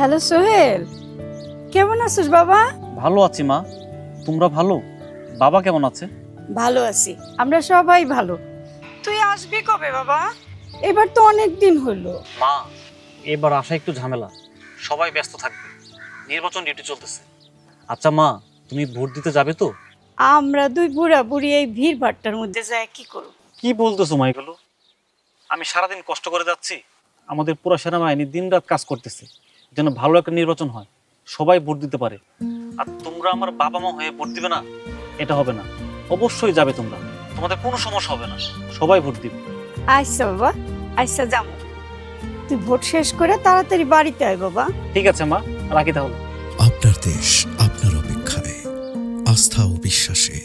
Hello Sohel, কেমন আছিস বাবা? ভালো আছি মা, তোমরা ভালো? বাবা কেমন আছে? ভালো আছি, আমরা সবাই ভালো। তুই আসবি কবে বাবা? এবার তো অনেক দিন হলো। মা, এবার আসা একটু ঝামেলা, সবাই ব্যস্ত থাকবে, নির্বাচন ডিউটি চলতেছে। আচ্ছা মা, তুমি ভোট দিতে যাবে তো? আমরা দুই বুড়া বুড়ি এই ভিড় ভাট্টার মধ্যে যায় কি করব? কি বলতেছো মা এগুলো? আমি সারাদিন কষ্ট করে যাচ্ছি, আমাদের পুরো সেনাবাহিনী দিন রাত কাজ করতেছে যেন ভালো একটা নির্বাচন হয়, সবাই ভোট দিতে পারে। আর তোমরা আমার বাবা মা হয়ে ভোট দিবে না, এটা হবে না। অবশ্যই যাবে তোমরা, তোমাদের কোনো সমস্যা হবে না, সবাই ভোট দিবে। আচ্ছা বাবা, আচ্ছা যাবো। তুই ভোট শেষ করে তাড়াতাড়ি বাড়িতে আয় বাবা। ঠিক আছে মা, রাখি তাহলে। আপনার দেশ আপনার অপেক্ষায়, আস্থা ও বিশ্বাসে